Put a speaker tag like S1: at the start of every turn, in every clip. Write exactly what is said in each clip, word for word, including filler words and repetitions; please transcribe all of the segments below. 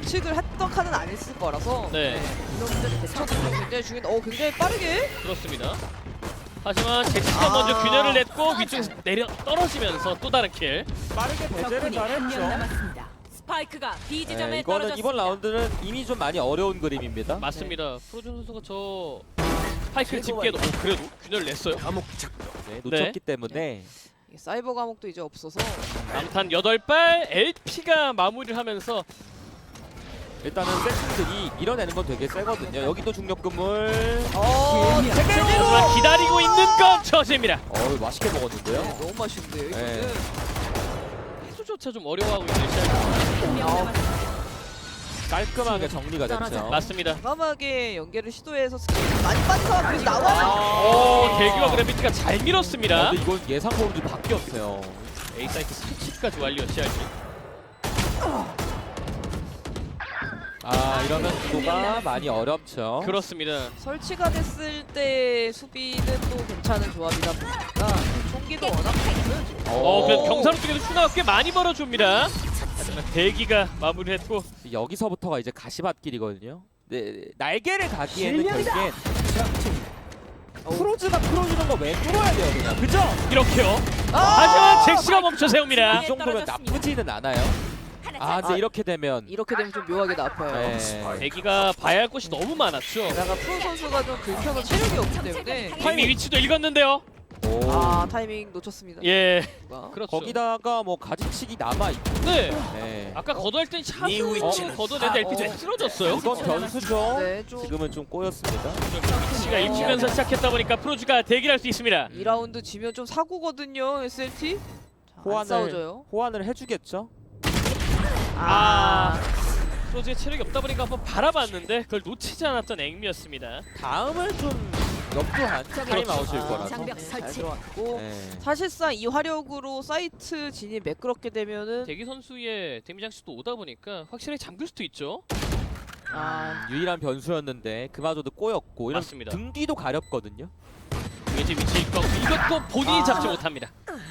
S1: 예측을 했던 칸은 아니었을 거라서
S2: 네.
S1: 네. 이런 문제 대처도 굉장히 중요한데 어 굉장히 빠르게
S2: 그렇습니다. 하지만 잭스가
S1: 아.
S2: 먼저 균열을 냈고 위쪽에서 내려 떨어지면서 또 다른 킬.
S3: 빠르게 배제를
S4: 적군이 한 명
S3: 잘했죠.
S4: 남았습니다. 스파이크가 B 지점에
S3: 네, 이거는
S4: 떨어졌습니다.
S3: 이번 라운드는 이미 좀 많이 어려운 그림입니다.
S2: 맞습니다. 프로준 선수가 저 스파이크를
S3: 최고가
S2: 집게도 어, 그래도 균열을 냈어요.
S3: 네, 놓쳤기 때문에
S1: 이게 사이버 감옥도 이제 없어서
S2: 남탄 여덟 발 엘피가 마무리를 하면서
S3: 일단은 세팅들이 밀어내는 건 되게 세거든요. 여기도 중력 그물.
S1: 어 제대로
S2: 하지만 기다리고 있는 건 저지입니다.
S3: 어 맛있게 먹었는데요.
S1: 네, 너무 맛있는데요 이거는
S3: 네.
S2: 해수조차 좀 어려워하고 있는 시작.
S4: 한 명
S1: 아.
S4: 남았습니다.
S3: 깔끔하게 정리가
S4: 떨어져.
S3: 됐죠.
S2: 맞습니다.
S1: 과감하게 연계를 시도해서 스킬 많이 빠진 상황 그래서 나와요.
S2: 오, 대기와 그래비티가 잘 밀었습니다.
S3: 아, 근데 이건 예상 범위 바뀌었어요.
S2: A 사이트 스위치까지 완료 씨알지.
S3: 아 이러면 구도가 많이 어렵죠.
S2: 그렇습니다.
S1: 설치가 됐을 때 수비는 또 괜찮은 조합이다 보니까 총기도 워낙 좋고요 지금.
S2: 어, 그래도 경사로 쪽에도 추가가 꽤 많이 벌어줍니다. 하지만 대기가 마무리했고
S3: 여기서부터가 이제 가시밭길이거든요. 네, 날개를 가기에는 결국엔 크로즈가 풀어주는 거 왜 뚫어야 돼요 그냥. 그죠?
S2: 이렇게요.
S1: 아!
S2: 하지만 잭스가 멈춰 세웁니다.
S3: 이 정도면 나쁘지는 않아요. 아 근데
S1: 아,
S3: 이렇게 되면
S1: 이렇게 되면 좀 묘하게 나빠요.
S3: 네.
S2: 대기가 봐야 할 곳이 너무 많았죠.
S1: 게다가 프로 선수가 좀 긁혀서 체력이 없기 때문에
S2: 이미 위치도 읽었는데요.
S3: 오.
S1: 아 타이밍 놓쳤습니다.
S2: 예,
S1: 누가.
S2: 그렇죠.
S3: 거기다가 뭐 가지치기 남아 있고.
S2: 네.
S3: 네.
S2: 아까 걷어할 땐 샷을
S3: 위치는-
S2: 걷어내는데 엘피 좀 쓰러졌어요.
S3: 이건 변수죠.
S1: 네, 좀
S3: 지금은 좀 꼬였습니다.
S2: 위치가 입히면서 시작했다 보니까 프로즈가 대기를 할 수 있습니다.
S1: 이 라운드 지면 좀 사고거든요 에스엘티. 자, 안
S3: 호환을
S1: 싸워줘요.
S3: 호환을 해주겠죠.
S2: 아, 프로즈의 체력이 없다 보니까 한번 바라봤는데 그걸 놓치지 않았던 앵미였습니다.
S3: 다음을 좀 염두한 타임아웃일
S1: 아,
S3: 거라서.
S4: 장벽
S1: 네, 잘
S4: 설치.
S1: 들어왔고
S3: 네.
S1: 사실상 이 화력으로 사이트 진입 매끄럽게 되면은
S2: 대기 선수의 데미 장식도 오다 보니까 확실히 잠글 수도 있죠.
S1: 아
S3: 유일한 변수였는데 그마저도 꼬였고 이런
S2: 맞습니다.
S3: 등 뒤도 가렵거든요.
S2: 이제 위치일 거고 이것도 본인이
S1: 아.
S2: 잡지 못합니다.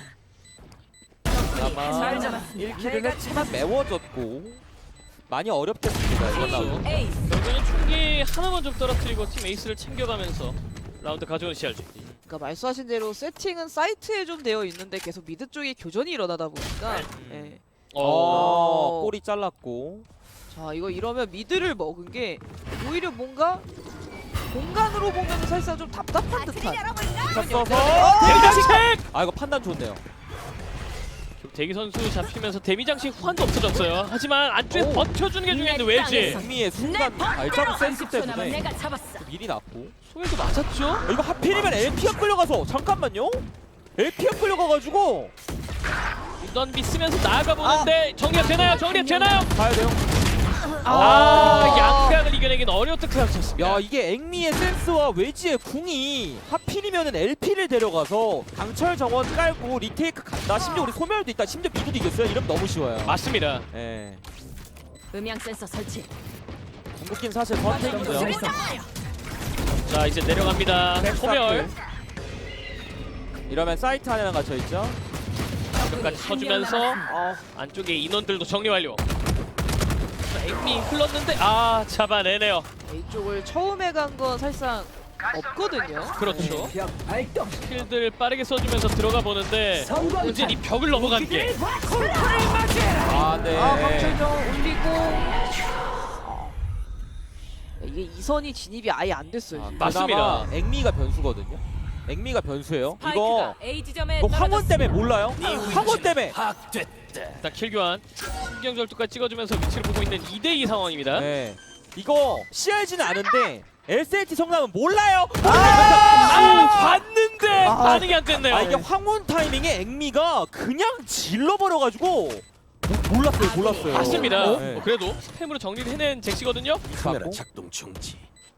S3: 아마
S4: 잘 잡았습니다.
S3: 일 킬을 했지만 매워졌고 많이 어렵겠습니다. 이번 라운드.
S4: 에이스.
S2: 결국에는 총기 하나만 좀 떨어뜨리고 팀 에이스를 챙겨가면서 라운드 가져온 씨알지.
S1: 그러니까 말씀하신 대로 세팅은 사이트에 좀 되어 있는데 계속 미드 쪽에 교전이 일어나다 보니까
S2: 음.
S1: 예.
S3: 어, 꼬리 잘랐고.
S1: 자 이거 이러면 미드를 먹은 게 오히려 뭔가 공간으로 보면 사실상 좀 답답한 듯한
S3: 쳤어서
S2: 데미 장식!
S3: 아 이거 판단 좋네요.
S2: 대기 선수 잡히면서 데미 장식 후한도 없어졌어요. 하지만 안쪽에
S3: 오.
S2: 버텨주는 게 중요한데 왜지?
S3: 승리의 순간 발자국 센스
S4: 삼십 초 남아
S3: 때문에
S4: 내가 잡았어.
S3: 미리 났고.
S2: 소외도 맞았죠?
S3: 아, 이거 하필이면 엘피가 끌려가서 잠깐만요. 엘피가 끌려가가지고
S2: 넌 믿으면서 나아가 보는데 정리가 되나요? 정리가 되나요?
S3: 가야 돼요.
S2: 아, 양각을 이겨내긴 어려웠던 클라스였습니다.
S3: 야 이게 앵미의 센스와 웨지의 궁이 하필이면은 엘피를 데려가서 강철 정원 깔고 리테이크 간다. 심지어 우리 소멸도 있다. 심지어 미드도 이겼어요. 이러면 너무 쉬워요.
S2: 맞습니다.
S3: 예.
S4: 음향 센서 설치.
S3: 궁극기는 사실 선택이죠.
S2: 자 이제 내려갑니다. 소멸
S3: 이러면 사이트 하나가 갇혀 있죠.
S2: 끝까지 쳐주면서
S1: 아,
S2: 안쪽에 인원들도 정리 완료. 자, 앵미 흘렀는데 아 잡아내네요.
S1: 이쪽을 처음에 간 건 사실상 없거든요.
S2: 그렇죠. 스킬들 빠르게 써주면서 들어가 보는데 문제는 이 벽을 넘어간 게
S3: 아 네.
S1: 아 강철정 올리고 아. 이게 이선이 진입이 아예 안 됐어요.
S3: 아,
S1: 지금.
S2: 맞습니다.
S3: 그나마 앵미가 변수거든요. 앵미가 변수예요. 이거
S4: 스파이크가 A 지점에
S3: 이거 황혼
S4: 떨어졌습니다.
S3: 때문에 몰라요? 황혼 때문에.
S2: 일단 킬 교환 신경절도까지 찍어주면서 위치를 보고 있는 이 대 이 상황입니다.
S3: 네. 이거 씨알지는 아는데 엘씨엘티 성남은 몰라요.
S2: 아, 봤는데
S1: 아.
S2: 반응이 안 됐네요.
S3: 아 이게 황혼 타이밍에 앵미가 그냥 질러버려가지고 몰랐어요, 몰랐어요.
S2: 맞습니다.
S3: 네.
S2: 어, 그래도 스팸으로 정리를 해낸 잭시거든요.
S3: 카메라
S5: 작동 중지.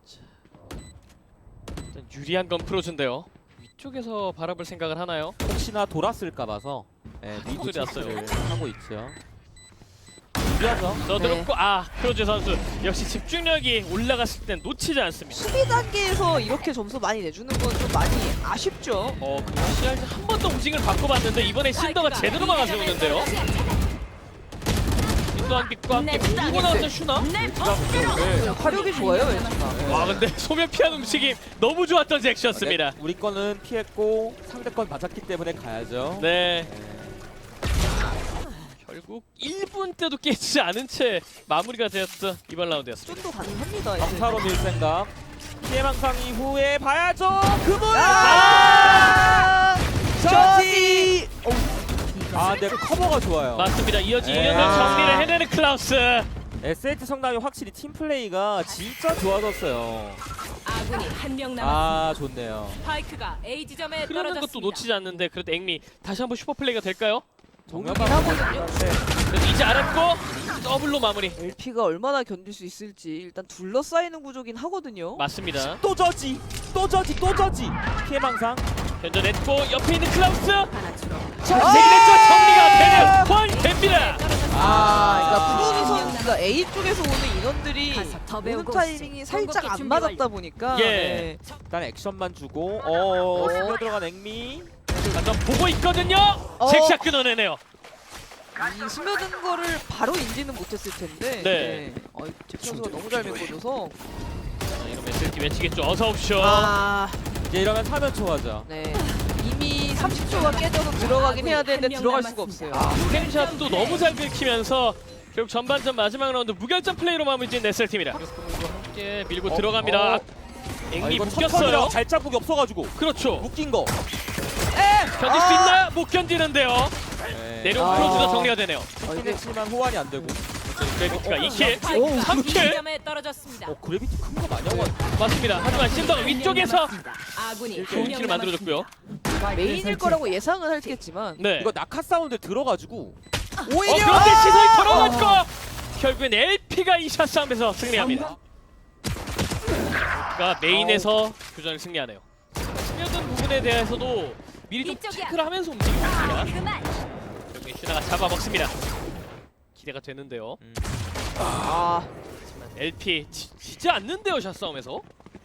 S2: 일단 유리한 건 프로즈인데요. 위쪽에서 바라볼 생각을 하나요?
S3: 혹시나 돌았을까 봐서 네, 미드
S2: 소리 났어요.
S3: 체크를 하고 있죠. 유리하죠.
S2: 써들었고 아 프로즈 선수 역시 집중력이 올라갔을 땐 놓치지 않습니다.
S1: 수비 단계에서 이렇게 점수 많이 내주는 건 좀 많이 아쉽죠.
S2: 어 그리고 씨알지 한 번 더 우징을 바꿔봤는데 이번에 신더가 제대로 막아세우는데요. 신더 무도한빛과 함께
S4: 내
S2: 밀고 나왔던 슈나.
S4: 내 법대로.
S1: 화력이 좋아요 웨지가.
S2: 와 근데 소면 피한 움직임 너무 좋았던 잭시였습니다.
S3: 네, 우리 거는 피했고 상대권 맞았기 때문에 가야죠.
S2: 네. 결국 일 분 때도 깨지지 않은 채 마무리가 되었던 이번 라운드였습니다.
S1: 좀더 가능합니다. 이제.
S3: 정타로 밀 생각. 피해망상 이후에 봐야죠. 그분.
S1: 아! 저지.
S3: 아, 네 커버가 좋아요.
S2: 맞습니다. 이어지는
S3: 네.
S2: 정리를 해내는 클라우스.
S3: 에스에이치 성남이 확실히 팀 플레이가 진짜 좋아졌어요.
S4: 아군이 한 명 남았습니다.
S3: 아, 좋네요.
S4: 스파이크가 A 지점에
S2: 흐르는
S4: 떨어졌습니다.
S2: 것도 놓치지 않는데 그래도 앵미 다시 한번 슈퍼플레이가 될까요?
S3: 정면만
S1: 하거든요.
S2: 그래도 이제 알았고 더블로 마무리.
S1: 엘피가 얼마나 견딜 수 있을지 일단 둘러싸이는 구조긴 하거든요.
S2: 맞습니다.
S3: 또 저지, 또 저지, 또 저지. 피해망상.
S2: 견뎌냈고 옆에 있는 클라우스.
S4: 하나 줄어.
S2: 세기대처 정리가 되는 완됩니다.
S1: 아, 그러니까 프로듀 선수가 A 쪽에서 오는 인원들이
S4: 가서 더
S1: 오는
S4: 배우고
S1: 타이밍이
S4: 오시죠.
S1: 살짝 안
S4: 준비
S1: 맞았다
S4: 완료.
S1: 보니까
S2: 예.
S1: 네.
S3: 일단 액션만 주고 어, 스며 들어간 앵미.
S2: 완전 보고 있거든요.
S1: 어.
S2: 잭샷 끊어내네요.
S1: 이 스며든 거를 바로 인지는 못했을 텐데.
S2: 네.
S1: 어, 잭 선수가 너무 잘 메꿔줘서.
S2: 자, 이러면 에스엘티 외치겠죠. 어서 오십시오.
S1: 아,
S3: 이제 이러면 사면 초하자.
S1: 네. 이미 삼십 초가 깨져서 들어가긴 해야 되는데
S4: 한명
S1: 들어갈 수가
S4: 남았습니다.
S1: 없어요.
S2: 캠샷도 너무 잘 긁히면서 결국 전반전 마지막 라운드 무결점 플레이로 마무리 지은 네스팀입니다. 함께 밀고
S3: 어?
S2: 들어갑니다.
S3: 어? 아,
S2: 앵미
S3: 이거
S2: 묶였어요.
S3: 첫턴이라 발자국이 없어가지고
S2: 그렇죠.
S3: 묶인 거.
S2: 견딜 수 있나요? 못 견디는데요.
S3: 네.
S2: 내려온
S1: 아.
S2: 크로즈가 정리가 되네요.
S1: 어,
S3: 이게
S1: 이게
S3: 했지만 호환이 안 되고.
S2: 그래비티가 이 킬,
S4: 스파이크가
S2: 삼
S4: B
S2: 킬.
S4: 지점에 떨어졌습니다.
S3: 어 그래비티 큰 거 많이 하고.
S2: 맞습니다. 하지만 신더가 위쪽에서
S4: 아군이
S2: 좋은 킬을 만들어줬고요.
S1: 메인일 거라고 예상은 했겠지만.
S2: 네.
S3: 이거 낙하 사운드 들어가지고
S2: 어,
S3: 오히려.
S2: 그런데 시선이 돌아갔고 결국엔 엘피가 이 샷 싸움에서 승리합니다. 가 메인에서 교전을 승리하네요. 스며든 부분에 대해서도 미리 좀
S4: 이쪽이야.
S2: 체크를 하면서 움직입니다.
S4: 그만.
S2: 결국엔 슈나가 잡아먹습니다. 기대가 되는데요.
S1: 아,
S2: 하지만 엘피 지, 지지 않는데요, 샷 싸움에서.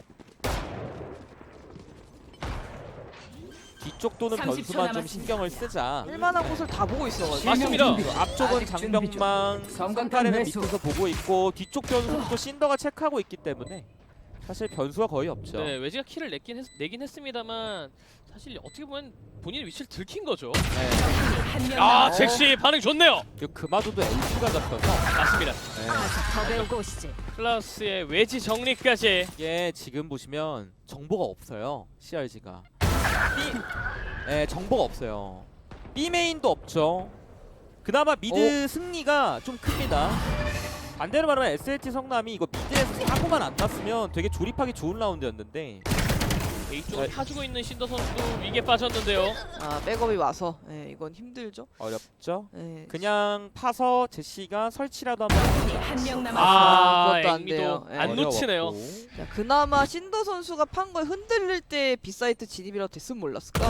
S3: 뒤쪽 도는
S4: 삼십 초
S3: 변수만 좀
S4: 남았습니다.
S3: 신경을 쓰자.
S1: 쓸만한 곳을 다 보고 있어가지고.
S2: 맞습니다.
S3: 그리고 앞쪽은
S5: 아직 준비 중.
S3: 장병망,
S5: 성광탄
S3: 성카레는
S5: 매수.
S3: 밑에서 보고 있고 뒤쪽 변수도 신더가 체크하고 있기 때문에 사실 변수가 거의 없죠.
S2: 네, 외지가 킬을 내긴, 했, 내긴 했습니다만 사실 어떻게 보면 본인의 위치를 들킨 거죠.
S3: 네.
S4: 한명
S2: 아,
S4: 남았.
S2: 잭시 반응 좋네요.
S3: 그리고 그마저도 엘피가 잡혀서
S2: 맞습니다.
S3: 네.
S4: 가서 더 배우고 오시지.
S2: 클라우스의 외지 정리까지.
S3: 이게 지금 보시면 정보가 없어요. 씨알지가. B, 네, 정보가 없어요. B 메인도 없죠. 그나마 미드 승리가 좀 큽니다. 반대로 말하면 에스엘티 성남이 이거 미드에서 사고만 안 났으면 되게 조립하기 좋은 라운드였는데
S2: A쪽을 파주고 있는 신더 선수도 위기에 빠졌는데요.
S1: 아, 백업이 와서. 네, 이건 힘들죠.
S3: 어렵죠.
S1: 네.
S3: 그냥 파서 제시가 설치라도 한번 합니다.
S4: 한명 남았습니다.
S2: 아,
S1: 그것도 안
S2: 앵미도
S1: 돼요. 예.
S2: 안 놓치네요.
S3: 어려웠고.
S1: 자, 그나마 신더 선수가 판 거에 흔들릴 때 B사이트 진입이라도 됐으면 몰랐을까?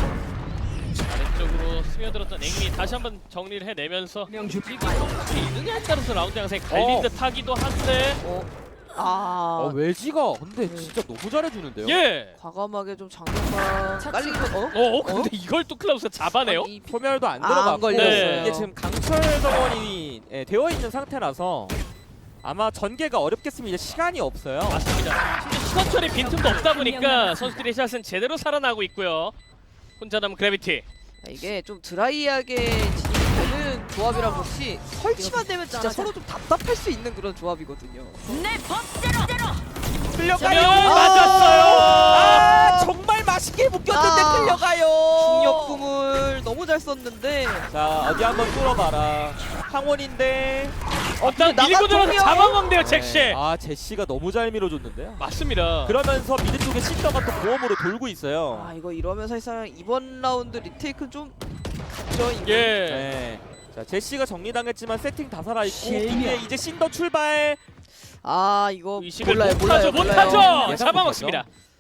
S2: 아래쪽으로 스며들었던 앵미 다시 한번 정리를 해내면서
S5: 명주
S2: 지금 어떻게 있느냐에 따라서 라운드 양상이 갈린
S3: 어.
S2: 듯 하기도 한데
S1: 어. 아,
S3: 어 외지가 근데
S1: 네.
S3: 진짜 너무 잘해주는데요.
S2: 예.
S1: 과감하게 좀 장면만
S4: 차-
S1: 깔리고 어?
S2: 어, 어 근데 이걸 또 클라우스가 잡아내요.
S1: 아니, 비-
S3: 소멸도 안
S1: 아,
S3: 들어갔고
S1: 안 걸렸어요.
S2: 네.
S3: 이게 지금 강철 정원이 예, 되어 있는 상태라서 아마 전개가 어렵겠으면 이제 시간이 없어요.
S2: 맞습니다. 심지어 시선 처리 빈틈도 없다 보니까 선수들의 샷은 제대로 살아나고 있고요. 혼자 남은 그래비티.
S1: 자, 이게 좀 드라이하게 진입이 되는 조합이라 그렇지 설치만 되면 진짜 서로 좀 답답할 수 있는 그런 조합이거든요.
S4: 내 법대로.
S3: 끌려가요.
S2: 아, 맞았어요.
S3: 아 정말 맛있게 묶였는데
S1: 아.
S3: 끌려가요.
S1: 중력금을 너무 잘 썼는데
S3: 자 어디 한번 뚫어봐라. 항원인데.
S2: 어, 딱
S1: 나가
S2: 밀고 들어서
S1: 동료?
S2: 잡아먹네요, 잭시.
S3: 네. 아 제시가 너무 잘 밀어줬는데요.
S2: 맞습니다.
S3: 그러면서 미드 쪽에 신더가 또 보험으로 돌고 있어요.
S1: 아 이거 이러면 사실상 이번 라운드 리테이크는 좀 갔죠. 이거.
S2: 예.
S3: 네. 자 제시가 정리당했지만 세팅 다 살아있고
S5: 실명.
S3: 이제 이제 신더 출발.
S1: 아 이거
S2: 의식을
S1: 몰라요
S2: 못하죠,
S1: 몰라요
S2: 못하죠.
S1: 몰라요.
S3: 예상
S2: 잡아먹습니다.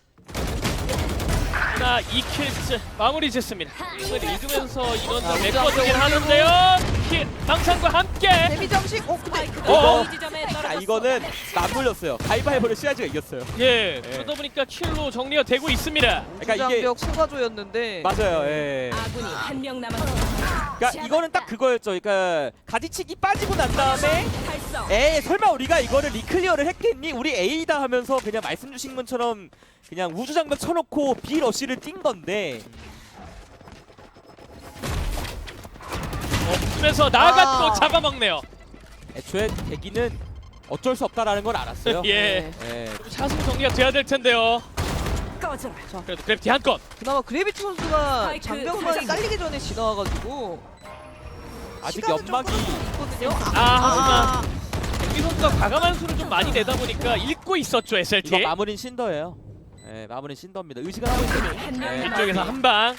S2: 나 이 킬째 마무리 짓습니다. 게임을 읽으면서 인원들
S1: 아,
S2: 메꿔주긴
S1: 올리고.
S2: 하는데요. 킬 망상과 함께.
S1: 데미 장식 어 근데
S4: 스파이크가
S2: 어?
S4: B 지점에
S3: 자
S4: 떨어졌어.
S3: 이거는 맞물렸어요. 가위바위보를 씨알지가 이겼어요.
S2: 예.
S3: 네.
S2: 그러다 보니까 킬로 정리가 되고 있습니다.
S3: 그러니까 이게
S1: 장벽 소가조였는데
S3: 맞아요. 예.
S4: 아군이 한 명 남았습니다.
S3: 그러니까 이거는 딱 그거였죠. 그러니까 가지치기 빠지고 난 다음에
S4: 달성.
S3: 에이 설마 우리가 이거를 리클리어를 했겠니? 우리 A다 하면서 그냥 말씀 주신 것처럼 그냥 우주장벽 쳐놓고 B 러쉬를 뛴 건데
S2: 없으면서 나갔고
S1: 아.
S2: 잡아먹네요.
S3: 애초에 대기는 어쩔 수 없다라는 걸 알았어요.
S2: 예.
S3: 예.
S2: 차승 정리가 돼야 될 텐데요.
S4: 꺼져라.
S2: 그래도 그래프티 한 건.
S1: 그나마 그래비티 선수가
S4: 스파이크
S1: 장병만이
S4: 설정.
S1: 깔리기 전에 지나와가지고
S3: 아직
S1: 시간은 좀
S3: 연막이
S1: 끌어주고 있거든요.
S2: 아, 하지만 이 선수가 과감한 수를 좀 많이 내다 보니까 읽고 있었죠
S3: 이거
S2: 에스엘티.
S3: 마무리는 신더예요. 예, 마무리는 신더입니다. 의식을 하고 있어요.
S4: 한명
S3: 네.
S2: 뒤쪽에서 한 방.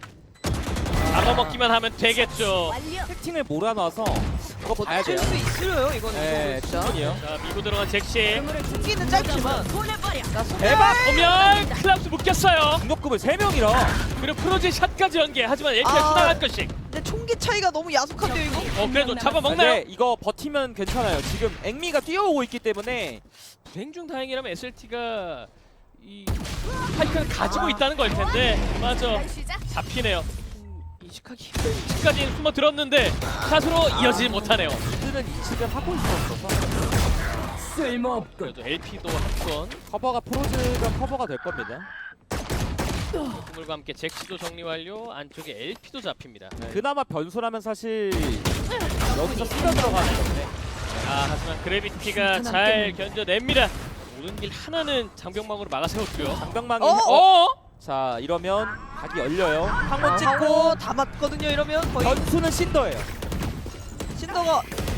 S2: 잡아먹기만 하면 되겠죠.
S4: 완료.
S3: 채팅을 몰아놔서 이거 봐야
S1: 칠
S3: 돼요.
S1: 수 있어요 이거는.
S3: 예,
S1: 진짜.
S3: 충분히요.
S2: 자 밀고 들어간 잭시.
S1: 승기는 짧지만
S4: 보내버려.
S1: 나 손-
S3: 대박!
S2: 보면 클라우스 묶였어요.
S3: 중력급을 세 명이라
S2: 그리고 프로제 샷까지 연계. 하지만 엘티가
S1: 아.
S2: 수당할 것씩.
S1: 근데 총기 차이가 너무 야속한데요 이거?
S2: 어 그래도 잡아먹나요?
S3: 근데 이거 버티면 괜찮아요. 지금 앵미가 뛰어오고 있기 때문에
S2: 불행 중 다행이라면 에스엘티가 이 파이크를 가지고 있다는 걸 텐데 맞아 잡히네요. 음, 인식하기 힘든 위치까지 숨어 들었는데 샷으로 이어지지 못하네요.
S3: 이들은 인식을 하고 있었어서
S4: 쓸모없군.
S2: 그래도 엘피도 한 건.
S3: 커버가 프로즈가 커버가 될 겁니다.
S2: 그물과 함께 잭시도 정리 완료. 안쪽에 엘피도 잡힙니다.
S3: 네. 그나마 변수라면 사실 여기서 쓰려 들어가는 건데
S2: 아 하지만 그래비티가 잘 견뎌냅니다. 오는 길 하나는 장병망으로 막아 세웠고요.
S3: 장병망이
S1: 어?
S2: 어?
S3: 자 이러면 각이 열려요. 항원
S1: 아,
S3: 찍고
S1: 하고 다 맞거든요 이러면 거의
S3: 변수는 신더예요.
S1: 신더가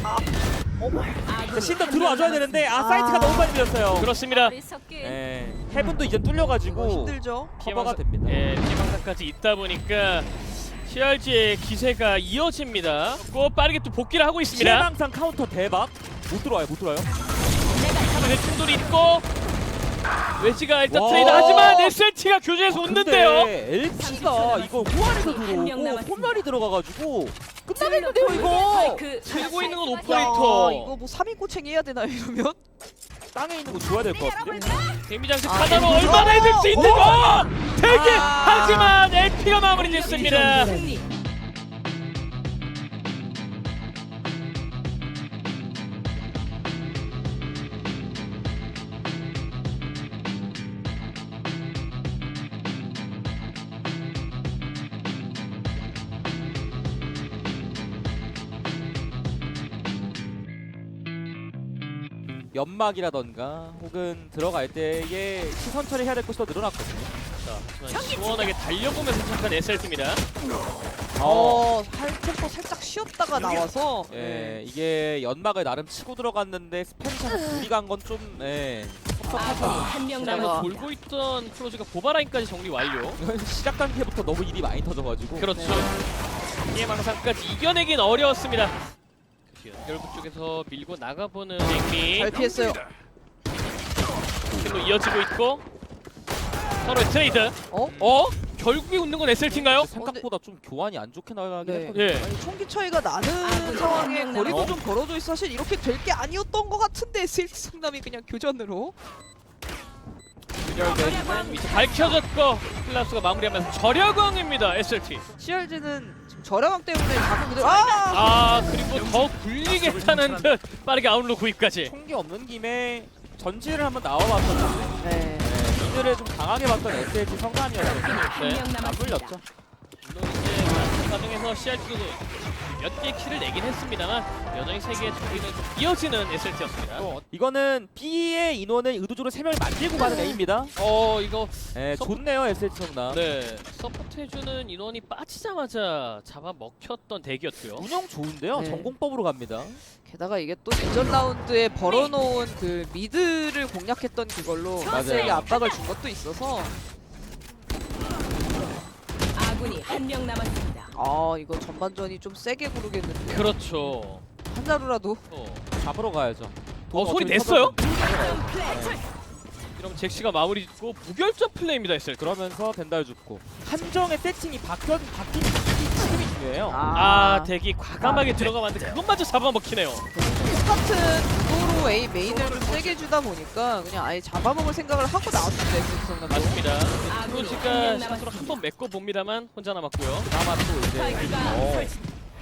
S3: 자, 신더 들어와줘야 되는데 아,
S1: 아.
S3: 사이트가 너무 많이 밀렸어요.
S2: 그렇습니다.
S3: 예, 헤븐도 이제
S1: 이거
S3: 뚫려가지고
S1: 힘들죠.
S3: 커버가 됩니다.
S2: 예, 피해망사까지 있다 보니까 씨알지의 기세가 이어집니다. 꼭 빠르게 또 복귀를 하고 있습니다.
S3: 실망상 카운터 대박. 못 들어와요, 못 들어와요.
S2: 네, 충돌이 있고 웨지가 일단
S3: 와.
S2: 트레이드 하지만 에스엘티가 교전에서 웃는데요.
S3: 근데 엘피가 이거 후안에서
S4: 한명
S3: 들어오고
S4: 남았습니다.
S3: 홈런이 들어가가지고 끝나겠는데요 이거.
S2: 들고 있는 건
S1: 야,
S2: 오퍼레이터.
S1: 이거 뭐 삼 인 꼬챙이 해야 되나요 이러면?
S3: 땅에 있는 거 줘야 될 것 같은데.
S2: 데미장식
S1: 아,
S2: 하나로
S1: 데미지.
S2: 얼마나 해줄 수 있는
S1: 오.
S2: 거! 되게
S1: 아.
S2: 하지만 엘피가 마무리 짓습니다.
S4: 승리.
S3: 연막이라던가 혹은 들어갈 때에 시선 처리해야 될 것이 더 늘어났거든요.
S2: 자, 하지만 시원하게 달려보면서 시작한 에스엘티입니다.
S1: 어, 할 템포 살짝 쉬었다가 나와서
S3: 예, 이게 연막을 나름 치고 들어갔는데 스팸샷 둘이 간 건 좀 예, 섭섭하죠.
S4: 한명
S1: 내가-
S2: 그다음에
S4: 남았습니다.
S2: 돌고 있던 프로즈가 보바라인까지 정리 완료.
S3: 이건 시작 단계부터 너무 일이 많이 터져가지고
S2: 그렇죠. 피해망상까지 이겨내긴 어려웠습니다. 연결부 쪽에서 밀고 나가보는 앵미.
S1: 잘 피했어요.
S2: 킬로 이어지고 있고 서로의 트레이드.
S1: 어?
S2: 어? 결국에 웃는 건 에스엘티인가요?
S3: 생각보다 좀 교환이 안 좋게 나가긴
S1: 네.
S3: 했거든요.
S2: 예.
S1: 아니, 총기 차이가 나는
S4: 아,
S1: 상황에
S4: 한 명
S1: 거리도
S3: 남았-
S1: 좀 벌어져 있어 사실 이렇게 될 게 아니었던 것 같은데 에스엘티 성남이 그냥 교전으로
S2: 이제 밝혀졌고 클라스가 마무리하면서 절여광입니다 에스엘티.
S1: 씨알지는 지금 저렴함 때문에 자꾸 그대로 아!
S2: 아 그리고 더 굴리겠다는 듯 빠르게 아웃로 구입까지.
S3: 총기 없는 김에 전지를 한번 나와봤었는데
S1: 네.
S3: 네, 이들을 좀 강하게 봤던 에스엘지 성남이었거든요.
S4: 한명
S2: 네.
S3: 안
S4: 남았습니다.
S3: 물렸죠.
S2: 물론 이제 마스터 과정에서 씨알지도 몇 개의 킬을 내긴 했습니다만 여전히 세 개의 총기는 좀 이어지는 에스엘티였습니다.
S3: 또 이거는 B의 인원을 의도적으로 세 명을 만들고 가는 A입니다.
S2: 어 이거
S3: 네,
S2: 서-
S3: 좋네요 에스엘지 성남.
S2: 네 서포트해주는 인원이 빠지자마자 잡아먹혔던 대기였고요.
S3: 운영 좋은데요.
S1: 네.
S3: 전공법으로 갑니다.
S1: 게다가 이게 또 이전 라운드에 벌어놓은 그 미드를 공략했던 그걸로
S3: 맞아요.
S1: 세게 압박을 준 것도 있어서
S4: 아군이 한 명 남았습니다.
S1: 아 이거 전반전이 좀 세게 구르겠는데
S2: 그렇죠.
S1: 한자루라도
S2: 어.
S3: 잡으러 가야죠.
S2: 어, 소리
S3: 어차피
S2: 냈어요?
S3: 터졌는데.
S4: 플레이.
S2: 이러면 잭시가 마무리 짓고 무결점 플레이입니다 에스엘티.
S3: 그러면서 덴달 죽고 함정의 세팅이 바뀌어 바뀐 이 지금이 중요해요.
S2: 아 대기 과감하게 들어가봤는데 그것마저 잡아먹히네요.
S1: 똑같은 구도로 A 메인을 좀 세게 주다 보니까 그냥 아예 잡아먹을 생각을 하고 나왔습니다 에스엘티 성남도.
S2: 맞습니다.
S4: 아군이
S2: 프로즈가
S4: 한명
S2: 샷으로
S4: 남았습니다.
S2: 한번 메꿔 봅니다만 혼자 남았고요.
S3: 그나마 또 이제
S4: 스파이크가
S3: 어,
S4: 설치.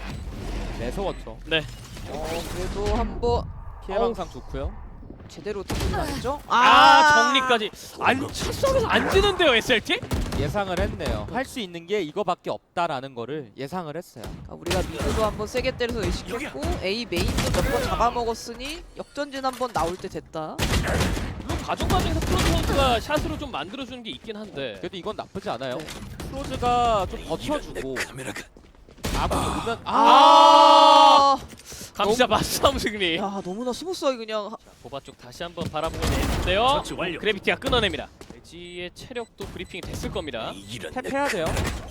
S3: 매서웠죠.
S2: 네.
S1: 어 그래도 한번
S3: 피해 방상 좋고요.
S1: 제대로 듣는 거죠?
S2: 아, 정리까지. 안 쳤어서 안 지는데요, 에스엘티?
S3: 예상을 했네요. 할 수 있는 게 이거밖에 없다라는 거를 예상을 했어요.
S1: 그러니까 우리가 미드도 한번 세게 때려서 의식했고 A 메인도 몇 번 잡아먹었으니 역전진 한번 나올 때 됐다.
S2: 물론 과정 과정에서 프로즈 선수가 샷으로 좀 만들어주는 게 있긴 한데.
S3: 그래도 이건 나쁘지 않아요.
S1: 네.
S3: 프로즈가 좀 버텨주고 아군이 오면 아,
S1: 아,
S2: 감시자 맞싸움 승리.
S1: 야 너무나 스무스하게 그냥 하-
S2: 보바 쪽 다시 한번 바라보고 있는데요. 그래비티가 끊어냅니다. 레지의 체력도 브리핑이 됐을 겁니다.
S3: 탭해야 돼요.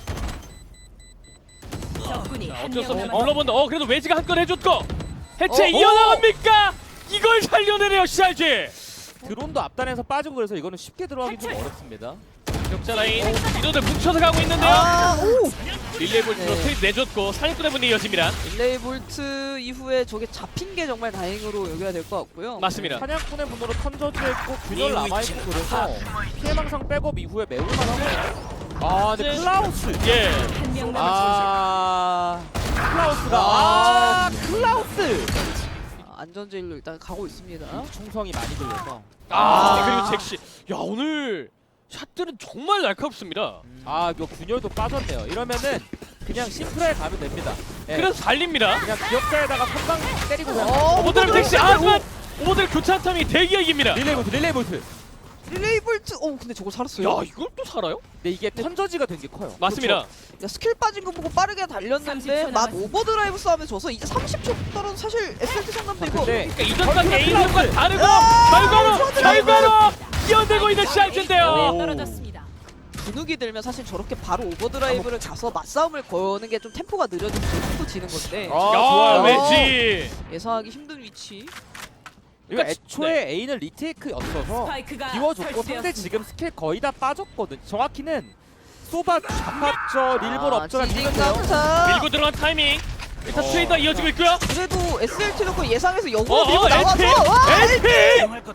S4: 적군이
S2: 자,
S4: 한
S2: 어쩔 수
S4: 명
S2: 없이
S4: 남았습니다.
S2: 눌러본다. 어, 그래도 외지가 한 건 해줬고 해체
S1: 어,
S2: 이어나갑니까? 이걸 살려내네요, 씨알지.
S3: 드론도 앞단에서 빠지고 그래서 이거는 쉽게 들어가기 좀 어렵습니다.
S2: 격자 라인 이도들 뭉쳐서 가고 있는데요.
S1: 아, 오!
S2: 릴레이 볼트로
S1: 네.
S2: 트윗 내줬고 사냥꾼의 분이 이어집니다.
S1: 릴레이 볼트 이후에 저게 잡힌 게 정말 다행으로 여겨야 될 것 같고요.
S2: 맞습니다.
S3: 사냥꾼의 분으로 턴저지했고 균열 남아있고 그래서 피해망상 백업 이후에 매울만 하네요. 아 근데
S2: 네.
S3: 클라우스
S2: 예.
S4: 한 명 남았습니다.
S3: 아 클라우스가
S1: 아,
S3: 아 클라우스
S1: 아, 안전제일로 일단 가고 있습니다.
S3: 충성이 많이 들려서
S2: 아,
S1: 아.
S2: 그리고 잭시. 야, 오늘 샷들은 정말 날카롭습니다.
S3: 아 이거 균열도 빠졌네요. 이러면은 그냥 심플하게 가면 됩니다. 예.
S2: 그래서 달립니다.
S3: 그냥 기억자에다가 선방 때리고 그냥
S1: 어,
S2: 오버드랍 잭시. 아, 하지만 오버드랍 교차한 탐이 대기가 이깁니다.
S3: 릴레이 볼트 릴레이 볼트.
S1: 릴레이 볼트. 어 근데 저거 살았어요.
S2: 야, 이걸 또 살아요?
S3: 근데 이게 턴저지가 된 게 커요.
S2: 맞습니다.
S1: 야, 스킬 빠진 거 보고 빠르게 달렸는데
S4: 삼십 초
S1: 맛
S4: 남았습니다.
S1: 오버드라이브 싸움에 져서 이제 삼십 초 떨어도 사실 에스엘티 상담도 이거
S3: 근데
S2: 그러니까 이전까지
S3: 어,
S2: 에이전과
S3: 클라우스.
S2: 다르고
S1: 아,
S2: 결과로
S1: 저들은
S2: 결과로 뛰어들고 있는 씨알지인데요.
S3: 오.
S4: 떨어졌습니다.
S1: 분욱이 들면 사실 저렇게 바로 오버드라이브를 가서 맞싸움을 거는 게 좀 템포가 느려지면 템포 지는 건데
S3: 아,
S2: 야,
S3: 좋아요.
S2: 왠지.
S1: 예상하기 힘든 위치.
S3: 이거
S2: 그러니까
S3: 애초에 A는 리테이크였어서
S4: 스파이크가
S3: 비워줬고 상대
S4: 설치되었습니다.
S3: 지금 스킬 거의 다 빠졌거든. 정확히는 소바 잡합저 릴볼
S1: 아,
S3: 업저가
S1: 지진
S3: 있는데요.
S1: 강타.
S2: 밀고 들어간 타이밍. 일단
S3: 어.
S2: 트레이더 이어지고 있고요.
S1: 그래도 에스엘티 놓고 예상해서 역으로
S2: 어,
S1: 밀고
S2: 어,
S1: 나와서
S2: 엘피!
S1: 와!
S2: 엘피!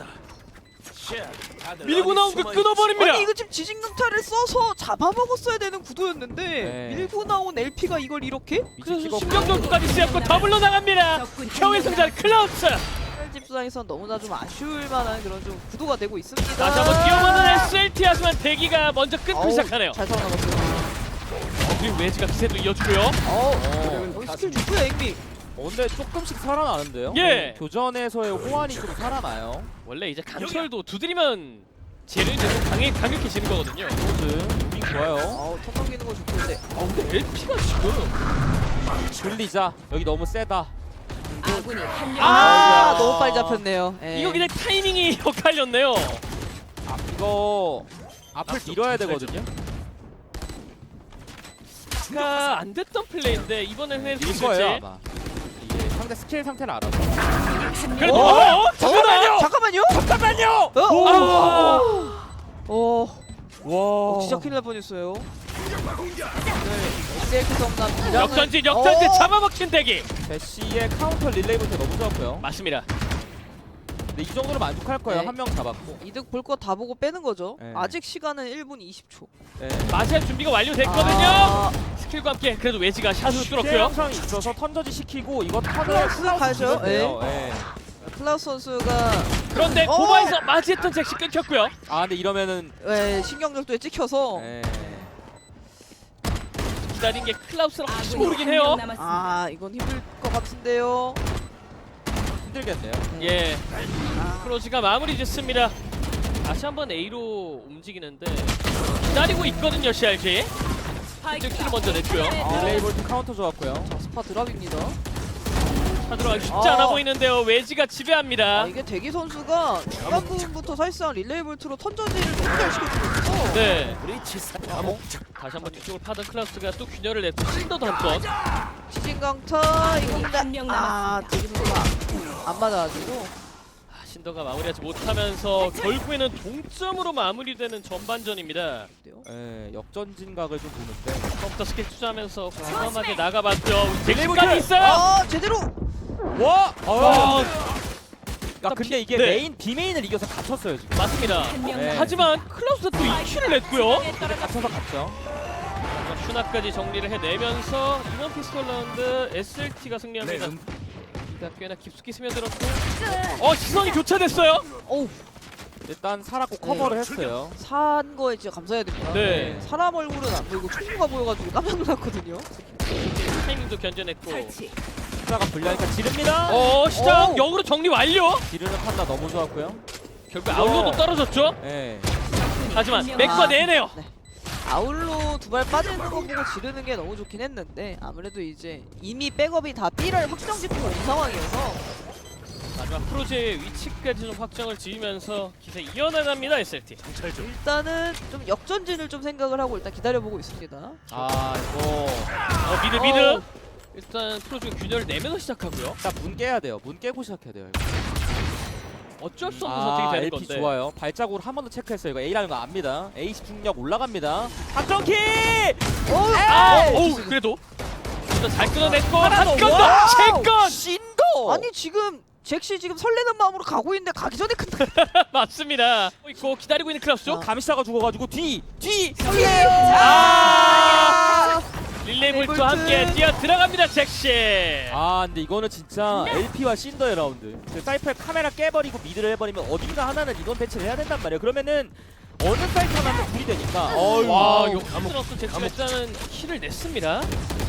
S2: 밀고 나온 거 끊어버립니다.
S1: 아니 이거 지금 지진 강타를 써서 잡아먹었어야 되는 구도였는데
S3: 네.
S1: 밀고 나온 엘피가 이걸 이렇게?
S2: 그래서 신경전투까지 쓰였고 더블로 나갑니다.
S4: 적군이
S2: 겨우의
S4: 한 명
S2: 승자 클라우스.
S1: 집상에선 너무나 좀 아쉬울 만한 그런 좀 구도가 되고 있습니다.
S2: 다시 한번 뛰어보는 에스엘티 하지만 대기가 먼저 끊고
S1: 어우,
S2: 시작하네요.
S1: 잘 살아남았어요.
S2: 그리고 외지가 기세도 이어주고요.
S1: 어우,
S3: 어.
S1: 거기 스킬 좋고요, 앵미.
S3: 어, 근데 조금씩 살아나는데요.
S2: 예.
S3: 어, 교전에서의 호환이 좀 살아나요.
S2: 원래 이제 강철도 두드리면 재능이 계속 강해, 강력해지는 거거든요.
S3: 로즈 무빙 좋아요.
S1: 어우, 턴 넘기는 거 좋던데.
S2: 아 근데 엘피가 지금
S3: 들리자 여기 너무 세다.
S4: 아군이 한 명
S2: 아,
S1: 아,
S3: 아이고야.
S1: 너무 빨리 잡혔네요. 예.
S2: 이거 그냥 타이밍이 엇갈렸네요.
S3: 아, 이거 앞을 밀어야 되거든요.
S2: 가 안 됐던 플레이인데 이번엔 해낼 수
S3: 밀 거예요
S2: 있을지.
S3: 아마. 이게 상대 스킬 상태를 알아서.
S2: 그래도
S1: 어?
S2: 어? 어? 잠깐만요.
S1: 잠깐만요.
S3: 잠깐만요.
S1: 어,
S2: 오.
S1: 어, 어,
S3: 와.
S1: 어, 진짜 큰일 날 뻔했어요. 네, 에스엘티 성남 기량은-
S2: 역전진 역전진
S1: 어,
S2: 잡아먹힌 대기.
S3: 대시의 카운터 릴레이부터 너무 좋았고요.
S2: 맞습니다.
S3: 근데 이 정도로 만족할 거예요.
S1: 네.
S3: 한 명 잡았고.
S1: 이득 볼 거 다 보고 빼는 거죠.
S3: 네.
S1: 아직 시간은 일 분 이십 초.
S3: 네.
S2: 마샬 준비가 완료됐거든요.
S1: 아,
S2: 스킬과 함께 그래도 외지가 샷으로
S3: 피해
S2: 뚫었고요.
S3: 영상이 있어서 턴저지 시키고 이거 턴을
S1: 클라우스 가죠.
S3: 요 예.
S1: 클라우스 선수가
S2: 그런데
S1: 어.
S2: 고바에서 맞이했던 잭시 끊겼고요.
S3: 아 근데 이러면은
S1: 예, 신경절도에 찍혀서
S3: 예.
S2: 기다린 게 클라우스랑 혹시
S4: 아군이
S2: 모르긴
S4: 한 명
S2: 해요.
S4: 남았습니다.
S1: 아 이건 힘들 것 같은데요.
S3: 힘들겠네요.
S2: 예,
S1: 아,
S2: 크로즈가 마무리 짓습니다. 다시 한번 A로 움직이는데 기다리고 있거든요, 씨알지. 이쪽 킬을 먼저 냈고요.
S1: 아.
S3: 릴레이볼트 카운터 좋았고요.
S1: 자 스파 드랍입니다.
S2: 하드로 쉽지
S1: 아.
S2: 않아 보이는데요. 외지가 지배합니다.
S1: 아, 이게 대기 선수가 중간 부분부터 사실상 릴레이 볼트로 턴저지를 너무 잘 시켜주고 있어.
S2: 네. 다시 한번 뒤쪽을 파던 클라우스가 또 균열을 냈고 신더도 한 번.
S1: 지진 강타 이거 근데
S4: 한명
S1: 아
S4: 남았습니다.
S1: 대기 선수가 안 맞아가지고
S2: 아, 신더가 마무리하지 못하면서 결국에는 동점으로 마무리되는 전반전입니다.
S3: 예, 역전진 각을 좀 보는데.
S2: 처음부터 스킬 투자하면서 과감하게 나가봤죠.
S3: 릴레이볼트!
S2: 잭시까지 있어요.
S1: 아 제대로
S3: 와!
S2: 와,
S3: 아 근데 이게
S2: 네.
S3: 메인 비메인을 이겨서 갇혔어요 지금.
S2: 맞습니다.
S4: 한 명
S3: 네.
S4: 남았습니다.
S2: 하지만 클라우스가 또 이 킬을 냈고요.
S3: 근데 갇혀서 갔죠.
S2: 슈나까지 정리를 해내면서 이번 피스톨 라운드 에스엘티가 승리합니다.
S5: 네,
S2: 일단 꽤나 깊숙이 스며들었고 어 시선이 교차됐어요.
S1: 어우,
S3: 일단 살았고 커버를 했어요.
S1: 산 거에 진짜 감사해야 됩니다.
S2: 네.
S1: 사람 얼굴은 안 보이고 총구가 보여가지고 깜짝 놀랐거든요.
S2: 타이밍도 견뎌냈고
S4: 설치.
S3: 숫자가 불리하니까 지릅니다.
S2: 어 시작
S1: 오.
S2: 역으로 정리 완료.
S3: 지르는 판단 너무 좋았고요.
S2: 결국 아울로도 떨어졌죠.
S3: 예.
S2: 하지만
S4: 한 명.
S2: 맥과
S1: 아.
S2: 내네요.
S1: 네. 아울로 두 발 빠지는 거 보고 지르는 게 너무 좋긴 했는데 아무래도 이제 이미 백업이 다 B를 확정 짓고 온 상황이어서
S2: 마지막 프로제의 위치까지 좀 확정을 지으면서 기세 이어나갑니다 에스엘티.
S1: 일단은 좀 역전진을 좀 생각을 하고 일단 기다려보고 있습니다.
S3: 아 이거
S2: 어 미드 미드.
S1: 어.
S2: 일단 프로제가 균열을 내면서 시작하고요.
S3: 일단 문 깨야 돼요. 문 깨고 시작해야 돼요. 이거.
S2: 어쩔 수 없는
S3: 아
S2: 선택이 되는
S3: 엘피
S2: 건데.
S3: 좋아요. 발자국으로 한 번 더 체크했어요. 이거 A라는 거 압니다. A 집중력 올라갑니다. 확정키!
S2: 아, 오 그래도 일단 잘 끊어냈고
S3: 하나 더.
S2: 한건 더.
S3: 와우!
S2: 세건
S3: 신고!
S1: 아니 지금 잭시 지금 설레는 마음으로 가고 있는데 가기 전에 큰다.
S2: 맞습니다. 있고 기다리고 있는 클라우스죠.
S1: 아.
S3: 감시자가 죽어가지고 뒤! 뒤!
S1: 설레요.
S2: 아 릴레이 볼트와
S1: 볼트.
S2: 함께 뛰어 들어갑니다 잭시.
S3: 아 근데 이거는 진짜 엘피와 신더의 라운드. 그 사이퍼의 카메라 깨버리고 미드를 해버리면 어딘가 하나는 이건 배치를 해야 된단 말이에요. 그러면은 어느 사이트 하나는 둘이 되니까 어휴.
S2: 와 이거 힘들었어 잭시가 일단은 킬을 냈습니다.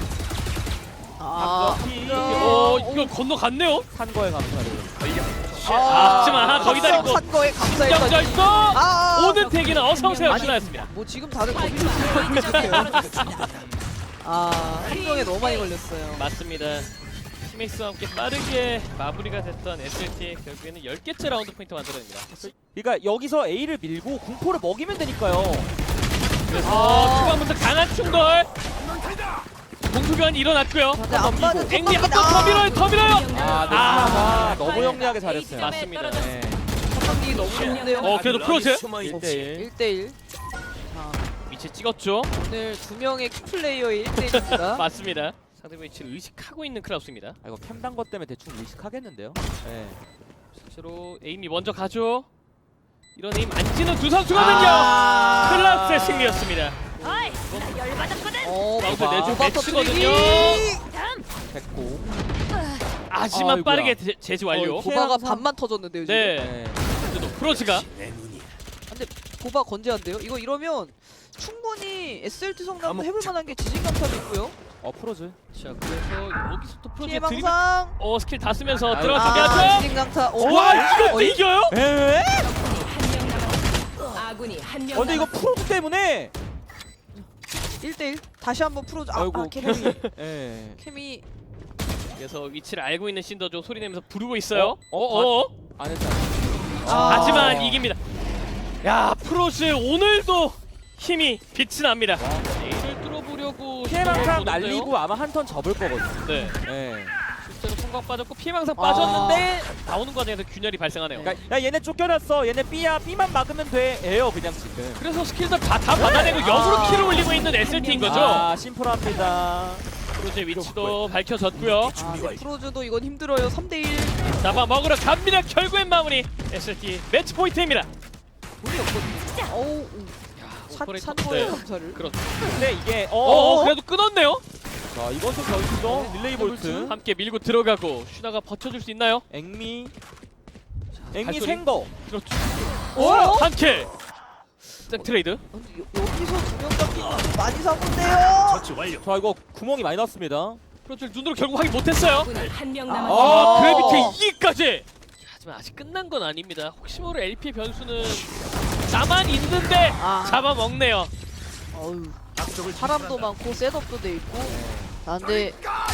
S1: 아,
S3: 피.
S2: 어 이거 건너갔네요.
S3: 산 거에 감사를.
S2: 아, 하지만 더 기다리고
S1: 산 거에 감사했더니
S2: 신경절도
S1: 아,
S2: 오는 대기는 어서오세요
S1: 아니,
S2: 신하였습니다.
S1: 뭐 지금 다들 거기서 들고 있는데요. 아, 한 명에 너무 많이 걸렸어요.
S2: 맞습니다. 스미스와 함께 빠르게 마무리가 됐던 에스엘티 결국에는 열 개째 라운드 포인트 만들어냅니다.
S3: 그러니까 여기서 A를 밀고 공포를 먹이면 되니까요.
S2: 그래서
S1: 아.
S2: 초반부터 강한 충돌 공수교환이 일어났고요.
S1: 근데 안 맞은
S2: 앵리 한번
S1: 아,
S2: 더 밀어요 더 밀어요.
S3: 아,
S2: 아.
S3: 아 너무 영리하게 잘했어요.
S2: 맞습니다.
S3: 네.
S1: 선방기 너무 좋은데요.
S2: 어 그래도 프로즈
S3: 일 대 일.
S1: 일 대 일. 자,
S2: 위치 찍었죠.
S1: 오늘 두 명의 키플레이어의 일 대 일입니다.
S2: 맞습니다. 상대 위치를 의식하고 있는 클라우스입니다.
S3: 아 이거 캠단 것 때문에 대충 의식하겠는데요. 네.
S2: 실제로 에임이 먼저 가죠. 이런 에임 안 지는 두 선수거든요.
S3: 아.
S2: 클라우스의 승리였습니다.
S1: 어,
S2: 라운드
S3: 봐.
S2: 내주
S1: 오바
S2: 매치거든요.
S3: 됐고.
S2: 하지만
S3: 아이고야.
S2: 빠르게 제- 제지 완료.
S3: 어,
S1: 보바가
S3: 항상-
S1: 반만 터졌는데요 지금.
S2: 네.
S3: 네.
S2: 그래도 프로즈가
S1: 근데 보바 건재한데요? 이거 이러면 충분히 에스엘티 성남도 해볼 만한 게 지진강탑이 있고요.
S3: 어 프로즈.
S2: 자 그래서 여기서 또
S1: 피해
S2: 프로즈의 드립
S1: 망상.
S2: 어 스킬 다 쓰면서
S3: 아유.
S2: 들어가게
S1: 아,
S2: 하죠.
S1: 지진강타.
S2: 와 이것도 이겨요?
S3: 에?
S4: 아군이 한 명
S3: 어 근데 이거
S4: 남았습니다.
S3: 프로즈 때문에.
S1: 일 대 일. 다시 한번 풀어줘. 아,
S3: 아이고
S1: 아 케미.
S3: 예.
S1: 케미.
S2: 그래서 위치를 알고 있는 신더조 소리 내면서 부르고 있어요.
S3: 어?
S2: 어? 어?
S3: 안 했잖아.
S1: 아.
S2: 하지만 이깁니다. 야 프로즈 오늘도 힘이 빛이 납니다. A를 뚫어보려고
S3: 피해망상
S2: 시도해보는데요.
S3: 날리고 아마 한 턴 접을 거거든요.
S2: 네
S3: 예.
S2: 실제로 성광 빠졌고 피해망상
S1: 아.
S2: 빠졌는데 나오는 과정에서 균열이 발생하네요.
S3: 그러니까 야 얘네 쫓겨났어. 얘네 B야. B만 막으면 돼. 에요 그냥 지금.
S2: 그래서 스킬들 다, 다 받아내고 역으로 킬을 올리고 있는 에스엘티인 거죠.
S3: 아 심플합니다.
S2: 프로즈의 위치도 밝혀졌고요.
S1: 아, 네, 프로즈도 이건 힘들어요. 삼 대 일.
S2: 잡아 먹으러 갑니다. 결국엔 마무리 에스엘티 매치 포인트입니다.
S1: 돈이 없거든요. 어우. 산,
S2: 오퍼레이터-
S1: 산 거에
S2: 네.
S1: 감사를.
S2: 그렇죠.
S3: 근데 이게
S2: 어,
S3: 어.
S2: 그래도 끊었네요.
S3: 자 이건 좀 변수죠. 릴레이 볼트.
S2: 함께 밀고 들어가고 슈나가 버텨줄 수 있나요?
S3: 앵미. 앵미
S2: 발소리.
S3: 생거.
S2: 그렇죠.
S1: 오!
S2: 한 킬. 색 트레이드.
S1: 근데 여, 여기서 두 명 잡힌 거 많이 사본데요.
S3: 자 이거 구멍이 많이 났습니다.
S2: 프로젝트 눈으로 결국 확인 못했어요.
S4: 아군이 한 명
S1: 아.
S4: 남았습니다.
S2: 아,
S1: 어.
S2: 그래비트 이기까지. 하지만 아직 끝난 건 아닙니다. 혹시 모를 엘피 변수는 나만 있는데
S1: 아.
S2: 잡아먹네요.
S1: 어우. 사람도 많고 셋업도 돼 있고. 아, 근데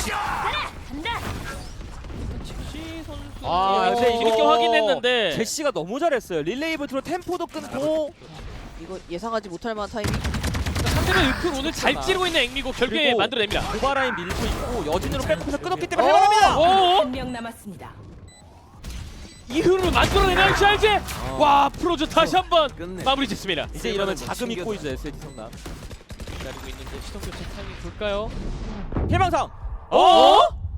S2: 칙시 선수.
S3: 아,
S1: 근데
S2: 뒤늦게
S1: 이거
S2: 확인했는데.
S3: 제시가 너무 잘했어요. 릴레이 볼트로 템포도 끊고.
S1: 이거 예상하지 못할 만한 타이밍.
S2: 상대는 은근 오늘 잘 찌르고 있는 앵미고 결국에
S3: 그리고
S2: 만들어냅니다.
S3: 고바라인 밀고 있고 여진으로 백업해서 끊었기 때문에
S1: 어.
S3: 할만합니다.
S2: 오,
S4: 한 명 남았습니다.
S2: 이 흐름을 만들어내나요, 샤이제? 와, 프로즈 다시 한번 마무리 짓습니다.
S3: 이제 이러면 자금이 꼬이죠 에스에이티 성남.
S2: 기다리고 있는데 시동 교체 타이밍 볼까요?
S3: 해방상.
S2: 어?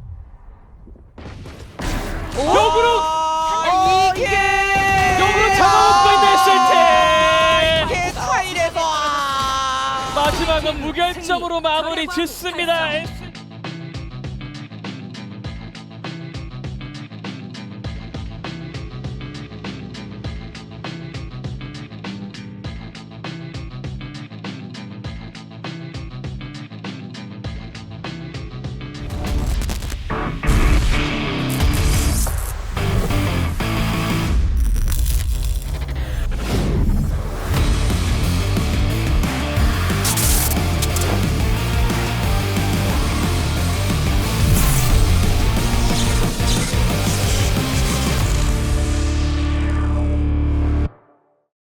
S2: 역으로
S3: 아, 이게
S2: 역으로 잡아먹고 있는 에스엘티.
S3: 이게 타일에서
S2: 마지막은 무결점 점으로 마무리 짓습니다. 에스